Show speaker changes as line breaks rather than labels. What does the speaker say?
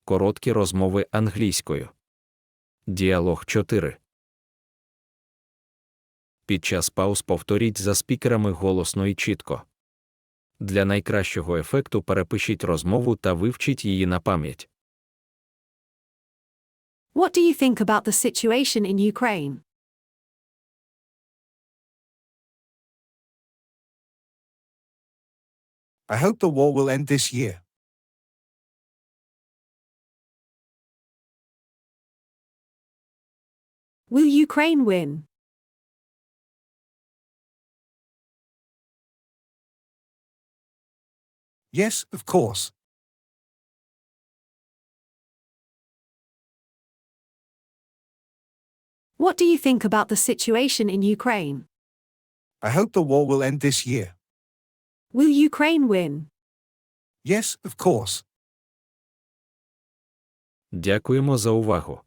Короткі розмови англійською. Діалог 4. Під час пауз повторіть за спікерами голосно і чітко. Для найкращого ефекту перепишіть розмову та вивчіть її на пам'ять.
What do you think about the situation in Ukraine?
I hope the war will end this year.
Will Ukraine win?
Yes, of course.
What do you think about the situation in Ukraine?
I hope the war will end this year.
Will Ukraine win?
Yes, of course.
Дякуємо за увагу.